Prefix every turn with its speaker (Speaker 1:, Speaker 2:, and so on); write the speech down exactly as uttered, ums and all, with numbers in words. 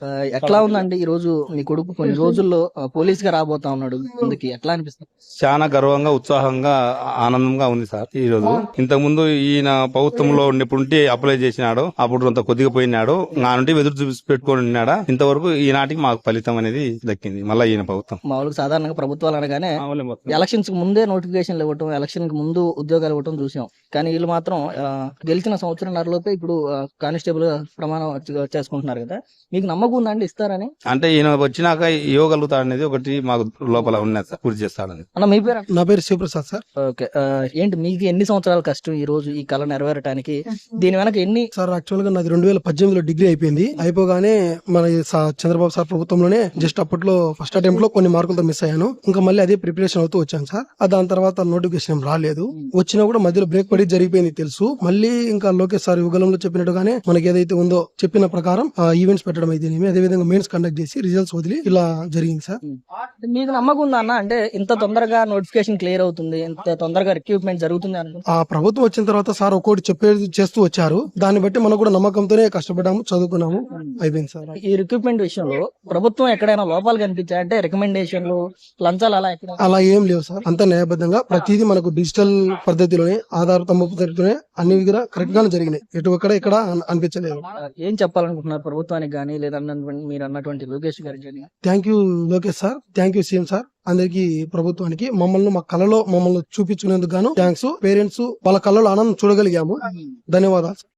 Speaker 1: ఆహ్, ఎట్లా ఉందండి ఈ రోజు మీ కొడుకు కొన్ని రోజుల్లో ఆహ్, పోలీస్‌గా రాబోతా ఉన్నాడు ముందుకి. ఎట్లా అనిపిస్తుంది?
Speaker 2: చాలా గర్వంగా ఉత్సాహంగా ఆనందంగా ఉంది సార్ ఈ రోజు. ఇంతకు ముందు ఈయన ప్రభుత్వంలో ఉన్నప్పుడు అప్లై చేసినాడు, అప్పుడు అంత కొద్దిగా పోయినాడు, నా నుండి ఎదురు చూసి పెట్టుకొని ఉన్నాడా, ఇంతవరకు ఈనాటికి మాకు ఫలితం అనేది దక్కింది. మళ్ళీ ఈయన ప్రభుత్వం
Speaker 1: మామూలుగా సాధారణంగా ప్రభుత్వాలు అనగానే
Speaker 2: ఆవులే మొత్తం.
Speaker 1: ఎలక్షన్స్ కి ముందే నోటిఫికేషన్లు ఇవ్వటం, ఎలక్షన్ కి ముందు ఉద్యోగాలు ఇవ్వటం చూసాం. కానీ వీళ్ళు మాత్రం ఆహ్, గెలిచిన సంవత్సరంన్నరలోపే ఇప్పుడు ఆహ్, కానిస్టేబుల్ ప్రమాణం చే- చేసుకుంటున్నారు కదా. మీకు నమ్మకం ఉందండి ఇస్తారని?
Speaker 2: అంటే ఈయన వచ్చినాక ఇవ్వగలుగుతాడు అనేది ఒకటి మాకు లోపల ఉన్నది సార్, పూర్తి చేస్తాడని.
Speaker 1: అన్న మీ పేరు?
Speaker 3: నా పేరు శివప్రసాద్ సార్.
Speaker 1: ఓకే. ఆహ్, ఏంటి మీకు ఎన్ని సంవత్సరాల కష్టం ఈ రోజు ఈ కళ నెరవేరటానికి? దీని వెనక ఎన్ని
Speaker 3: సార్ యాక్చువల్ గా నాది రెండు వేల పద్దెనిమిదిలో డిగ్రీ అయిపోయింది. అయిపోగానే మన ఈ సా- చంద్రబాబు సార్ ప్రభుత్వంలోనే జస్ట్ అప్పట్లో ఫస్ట్ అటెంప్ట్ లో కొన్ని మార్కులతో మిస్ అయ్యాను. ఇంకా మళ్ళీ అదే ప్రిపరేషన్ అవుతూ వచ్చాను సార్. ఆ దాని తర్వాత నోటిఫికేషన్ రాలేదు. వచ్చినా కూడా మధ్యలో బ్రేక్ పడి జరిగిపోయింది తెలుసు. మళ్ళీ ఇంకా లోకేష్ సార్ యుగలంలో చెప్పినట్టుగానే మనకి ఏదైతే ఉందో చెప్పిన ప్రకారం ఈవెంట్స్ పెట్టడం అయితే అదే విధంగా మెయిన్స్ కండక్ట్ చేసి రిజల్ట్స్ వదిలి ఇలా జరిగింది సార్.
Speaker 1: మీకు నమ్మకం ఉందా అన్న? అంటే ఇంత తొందరగా నోటిఫికేషన్ క్లియర్ అవుతుంది, ఇంత తొందరగా రిక్రూట్మెంట్ జరుగుతుంది అనుకుంటా.
Speaker 3: ఆ ప్రభుత్వం వచ్చిన తర్వాత సార్ ఒక్కోటి చెప్పేది చేస్తూ వచ్చారు. దాన్ని బట్టి మనం కూడా నమ్మకంతోనే కష్టపడ్డాము, చదువుకున్నాము, అయిపోయింది సార్.
Speaker 1: ఈ రిక్రూట్మెంట్ విషయంలో ప్రభుత్వం ఎక్కడైనా లోపాలు కనిపించాయంటే రికమెండేషన్లు, లంచాలు అలా ఎక్కడ?
Speaker 3: అలా ఏం లేవు సార్. అంత న్యాయబద్ధంగా ప్రతిదీ మనకు డిజిటల్ పద్ధతిలోనే ఆధార్ తమ్ము పద్ధతిలోనే అన్ని కూడా కరెక్ట్ గానే జరిగినాయి. ఎటు ఒక్కడ ఇక్కడ అన్- అనిపించలేదు.
Speaker 1: ఏం చెప్పాలనుకుంటున్నారు ప్రభుత్వానికి కానీ లేదా మీరు అన్నటువంటి లోకేష్ గారికి కానీ?
Speaker 3: Thank you Lokesh sir, thank you CM sir, అందరికి ప్రభుత్వానికి మమ్మల్ని మా కళలో మమ్మల్ని చూపించుకునేందుకు గాను థ్యాంక్స్. పేరెంట్స్ వాళ్ళ కళ్ళలో ఆనందం చూడగలిగాము. ధన్యవాదాలు.